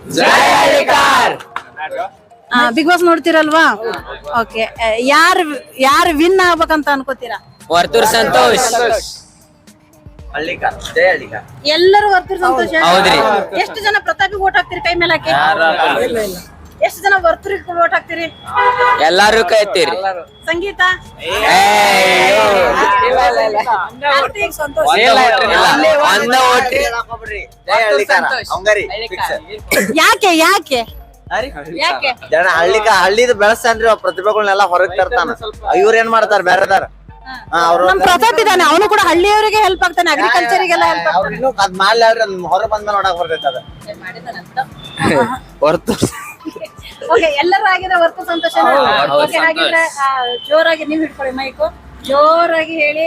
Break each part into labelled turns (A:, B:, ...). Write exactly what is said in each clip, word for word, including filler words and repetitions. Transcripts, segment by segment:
A: Big boss ನೋಡ್ತಿರಲ್ವಾ? Okay, ಯಾರು ಯಾರು win ಆಗ್ಬೇಕಂತ ಅನ್ಕೋತೀರಾ?
B: ವರ್ತೂರ್ ಸಂತೋಷ್.
A: ಎಲ್ಲರೂ ವರ್ತೂರ್ ಸಂತೋಷ.
B: ಹೌದ್ರಿ.
A: ಎಷ್ಟು ಜನ ಪ್ರತಾಪಿಗೆ ಓಟ್ ಹಾಕ್ತಿರಿ? ಕೈ ಮೇಲೆ ಹಾಕಿ. ಎಷ್ಟು ಜನ ವರ್ತೂರಿಗೆ ಓಟ್ ಹಾಕ್ತಿರಿ?
B: ಎಲ್ಲಾರು ಕೈತೀರಿ.
A: ಸಂಗೀತ, ಯಾಕೆ ಯಾಕೆ ಯಾಕೆ
C: ಜನ ಹಳ್ಳಿ ಹಳ್ಳಿದ ಬೆಳೆಸ್ತಾನ್ರಿ ಪ್ರತಿಭೆಗಳನ್ನೆಲ್ಲ ಹೊರಗ್ ತರ್ತಾನ. ಇವ್ರ ಏನ್ ಮಾಡ್ತಾರ ಬೇರೆದಾರ?
A: ನಮ್ ಪ್ರತಾಪ್ ಇದಾನೆ, ಅವನು ಕೂಡ ಹಳ್ಳಿಯವರಿಗೆ ಹೆಲ್ಪ್ ಆಗ್ತಾನೆ, ಅಗ್ರಿಕಲ್ಚರಿಗೆಲ್ಲ ಹೆಲ್ಪ್ ಆಗ್ತಾನೆ.
C: ಇನ್ನು ಅದ್ ಮಾಡ್ಲಿ ಅವ್ರಿ, ಹೊರ ಬಂದ ನೋಡಕ್ ಬರ್ತೈತೆ ಅದ ಹೊರತು.
A: ಓಕೆ, ಎಲ್ಲರೂ ಆಗಿದ್ರೆ ವರ್ತೂರ್ ಸಂತೋಷ. ಓಕೆ, ಹಾಗಿದ್ರೆ ಜೋರಾಗಿ ನೀವ್ ಇಟ್ಕೊಳ್ಳಿ ಮೈಕು, ಜೋರಾಗಿ ಹೇಳಿ.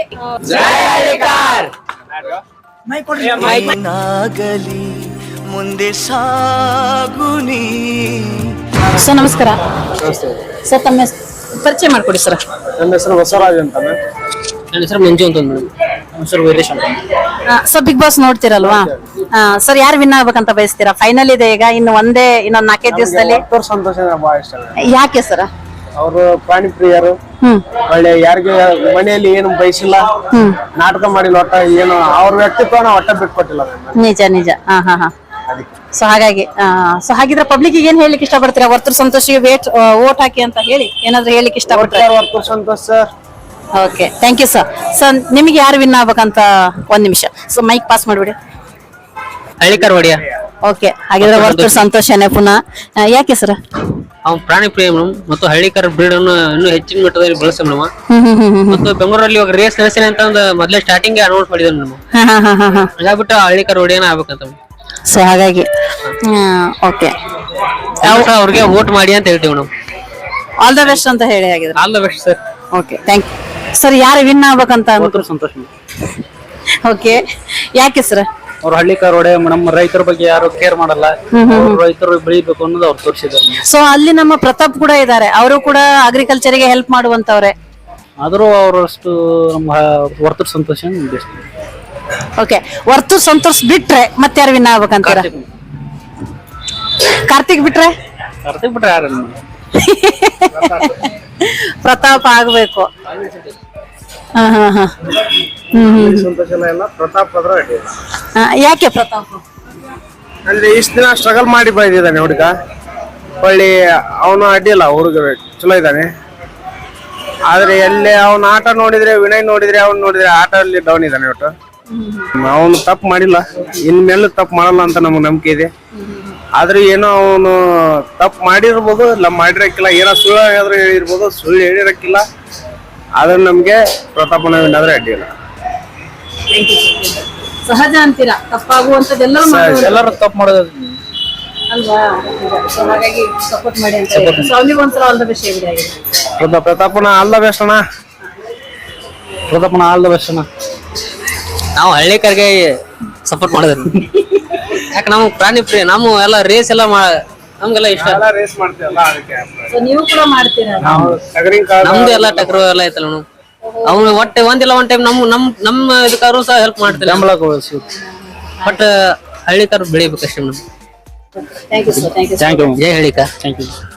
D: ಮುಂದೆ ಸಾಗುನಿ.
A: ಸರ್ ನಮಸ್ಕಾರ. ಸರ್ ತಮ್ಮ ಪರಿಚಯ ಮಾಡ್ಕೊಡಿ ಸರ್.
E: ನನ್ನ ಹೆಸರು ಬಸವರಾಜ್ ಅಂತ.
B: ನನ್ನ ಹೆಸರು ಮಂಜು ಅಂತ. ನನ್ನ ಹೆಸರು ವೀರೇಶ್ ಅಂತ.
A: ಸರ್ ಬಿಗ್ ಬಾಸ್ ನೋಡ್ತಿರಲ್ವಾ? ಸರ್ ಯಾರು ವಿನ್ ಆಗ್ಬೇಕಂತ ಬಯಸ್ತೀರಾ? ಫೈನಲ್ ಇದೆ ಈಗ, ಇನ್ನು ಒಂದೇ ಇನ್ನೊಂದ್ ನಾಲ್ಕೈದು ದಿವಸದಲ್ಲಿ.
E: ವರ್ತೂರ್ ಸಂತೋಷ ಬಹಳ ಇಷ್ಟ.
A: ಯಾಕೆ ಸರ್?
E: ಅವರು ಪ್ರಾಣಿ ಪ್ರಿಯರು, ಒಳ್ಳೆ ಯಾರಿಗೆ ಮನೆಯಲ್ಲಿ ಏನು ಬಯಸಿಲ್ಲ, ನಾಟಕ ಮಾಡಿಲ್ಲ, ಒಟ್ಟ ಏನು ಅವ್ರ ವ್ಯಕ್ತಿತ್ವನ ಒಟ್ಟ ಬಿಟ್ಕೊಟ್ಟಿಲ್ಲ.
A: ನಿಜ ನಿಜ. ಹಾ ಹಾ ಹಾ ಸೊ ಹಾಗಾಗಿ ಸೊ ಹಾಗಿದ್ರೆ ಪಬ್ಲಿಕ್ ಏನ್ ಹೇಳಿಕ್ ಇಷ್ಟಪಡ್ತೀರಾ? ವರ್ತೂರ್ ಸಂತೋಷಿಗೆ ವೇಟ್ ವೋಟ್ ಹಾಕಿ ಅಂತ ಹೇಳಿ ಏನಾದ್ರು ಹೇಳಿಕ್ ಇಷ್ಟಪಡ್ತೀರಾ?
E: Varthur Santhosh sir.
A: Okay, thank you sir. Sir ನಿಮಗೆ ಯಾರು ವಿನ್ ಆಗ್ಬೇಕಂತ ಒಂದ್ ನಿಮಿಷ ಸೊ ಮೈಕ್ ಪಾಸ್ ಮಾಡ್ಬಿಡಿ.
B: ಹಳ್ಳಿಕರ್ ಒಡೆಯ.
A: ಓಕೆ, ಹಾಗಿದ್ರೆ ವರ್ತೂರ್ ಸಂತೋಷನೇ ಪುನಃ. ಯಾಕೆ ಸರ್?
B: ಅವ್ನು ಪ್ರಾಣಿ ಪ್ರಿಯ ಮೇಡಮ್, ಮತ್ತು ಹಳ್ಳಿಕರ್ ಬ್ರೀಡ್ ಅನ್ನು ಇನ್ನೂ ಹೆಚ್ಚಿನ ಮಟ್ಟದಲ್ಲಿ ಬಳಸ ಮೇಡಮ್. ಮತ್ತು ಬೆಂಗಳೂರಲ್ಲಿ ಇವಾಗ ರೇಸ್ ನಡೆಸಿನ ಅಂತ ಒಂದು ಮೊದಲೇ ಸ್ಟಾರ್ಟಿಂಗ್ ಅನೌನ್ಸ್ ಮಾಡಿದ್ರು ಮೇಡಮ್. ಹಾಗಾಗ್ಬಿಟ್ಟು ಹಳ್ಳಿಕರ್ ಒಡೆಯನ ಆಗ್ಬೇಕಂತ.
A: ಸೊ ಹಾಗಾಗಿ ಓಕೆ,
B: ಅವ್ರಿಗೆ ವೋಟ್ ಮಾಡಿ ಅಂತ ಹೇಳ್ತೀವಿ ಮೇಡಮ್.
A: ಆಲ್ ದ ಬೆಸ್ಟ್ ಅಂತ ಹೇಳಿ. ಹಾಗಿದ್ರೆ
B: all the best sir.
A: Okay, thank you sir. ಯಾರು ವಿನ್ ಆಗ್ಬೇಕಂತ?
E: ವರ್ತೂರ್ ಸಂತೋಷ್.
A: ಓಕೆ, ಯಾಕೆ ಸರ್?
E: ಅವ್ರು ಹಳ್ಳಿಕರ್ ಒಡೆ ಮೇಡಮ್, ರೈತರ ಬಗ್ಗೆ ಯಾರು ಕೇರ್ ಮಾಡಲ್ಲ, ರೈತರು ಬೆಳಿಬೇಕು ಅನ್ನೋದು ಅವ್ರು ತೋರಿಸಿದ್ದಾರೆ.
A: ಸೊ ಅಲ್ಲಿ ನಮ್ಮ ಪ್ರತಾಪ್ ಕೂಡ ಇದ್ದಾರೆ, ಅವರು ಕೂಡ ಅಗ್ರಿಕಲ್ಚರ್ಗೆ ಹೆಲ್ಪ್ ಮಾಡುವಂತವ್ರೆ.
E: ಆದ್ರೂ ಅವರಷ್ಟು ನಮ್ಮ ವರ್ತೂರ್ ಸಂತೋಷ.
A: ಓಕೆ, ವರ್ತೂರ್ ಸಂತೋಷ್ ಬಿಟ್ರೆ ಮತ್ತೆ ಯಾರು ವಿನ್ ಆಗ್ಬೇಕಂತೀರ? ಕಾರ್ತಿಕ್ ಬಿಟ್ರೆ?
E: ಕಾರ್ತಿಕ್ ಬಿಟ್ರೆ ಯಾರು?
A: ಪ್ರತಾಪ್ ಆಗ್ಬೇಕು. ಹಾ ಹಾ ಹಾ ಹ್ಮ್
E: ಸಂತೋಷ ಪ್ರತಾಪ್ ಅದ್ರ.
A: ಯಾಕೆ ಪ್ರತಾಪ್?
E: ಅಂದ್ರೆ ಇಷ್ಟ ದಿನ ಸ್ಟ್ರಗಲ್ ಮಾಡಿ ಬಂದಿದ್ದಾನೆ ಹುಡುಗ, ಒಳ್ಳೆ ಅವನು ಅಡ್ಡಿಲ್ಲ, ಹುಡುಗ ಚಲೋ ಇದ್ದಾನೆ. ಆದ್ರೆ ಎಲ್ಲಿ ಅವನ ಆಟ ನೋಡಿದ್ರೆ, ವಿನಯ್ ನೋಡಿದ್ರೆ, ಅವ್ನು ನೋಡಿದ್ರೆ ಆಟ ಅಲ್ಲಿ ಡೌನ್ ಇದ್ದಾನೆ. ಒಟ್ಟು ಅವನು ತಪ್ಪು ಮಾಡಿಲ್ಲ, ಇನ್ಮೇಲೆ ತಪ್ಪು ಮಾಡಲ್ಲ ಅಂತ ನಮ್ಗೆ ನಂಬಿಕೆ ಇದೆ. ಆದ್ರೆ ಏನೋ ಅವನು ತಪ್ಪು ಮಾಡಿರ್ಬೋದು, ಇಲ್ಲ ಮಾಡಿರಕ್ಕಿಲ್ಲ, ಏನೋ ಸುಳ್ಳು ಹೇಳಿದ್ರೆ ಹೇಳಿರ್ಬೋದು, ಸುಳ್ಳು ಹೇಳಿರಕ್ಕಿಲ್ಲ. ಆದ್ರೆ ನಮ್ಗೆ ಪ್ರತಾಪನ ಏನಾದ್ರೆ ಅಡ್ಡಿಲ್ಲ.
A: ಸಹಜ ಅಂತೀರಾ? ತಪ್ಪಾಗುವಂತದ್ದೆಲ್ಲರೂ
E: ಎಲ್ಲರೂ ತಪ್ಪು ಮಾಡೋದು
A: ಅಲ್ವಾ? ಹಾಗಾಗಿ ಸಪೋರ್ಟ್ ಮಾಡಿ ಅಂತ ಹೇಳಿ. ಸೊ ಅವ್ನಿಗೆ ಒಂದ್ಸಲ ಆಲ್ ದ ಬೆಸ್ಟ್ ಹೇಳಿ.
E: ಪ್ರತಾಪನ ಆಲ್ ದ ಬೆಸ್ಟ್ ಅಣ್ಣ. ಪ್ರತಾಪನ ಆಲ್ ದ ಬೆಸ್ಟ್ ಅಣ್ಣ.
B: ನಾವು ಹಳ್ಳಿಕರ್ಗೆ ಸಪೋರ್ಟ್ ಮಾಡಿದ್ರು. ಯಾಕೆ ನಾವು ಪ್ರಾಣಿ ಪ್ರಿಯ, ನಾವು ಎಲ್ಲ ರೇಸ್ ಎಲ್ಲ ನಮ್ಗೆಲ್ಲ ಇಷ್ಟ.
E: ರೇಸ್ ಮಾಡ್ತೀವಲ್ಲ ಅದಕ್ಕೆ.
A: ಸೊ ನೀವು ಕೂಡ ಮಾಡ್ತೀರಾ?
B: ನಮ್ದು ಎಲ್ಲ ಟಕ್ರು ಎಲ್ಲ ಐತಲ್ಲ ನಾವು. ಅವ್ನು ಒಟ್ಟೆ ಒಂದಿಲ್ಲ ಒಂದ್ ಟೈಮ್ ನಮ್ ನಮ್ ನಮ್ಮ ಇದಕ್ಕಾದ್ರು ಸಹ ಹೆಲ್ಪ್ ಮಾಡ್ತಿಲ್ಲ. ಬಟ್ ಹಳ್ಳಿಕರ್ ಬೆಳಿಬೇಕಷ್ಟೇ madam.
A: Thank you sir. Thank you.
B: ಜೈ ಹಳ್ಳಿಕರ್.
E: Thank you.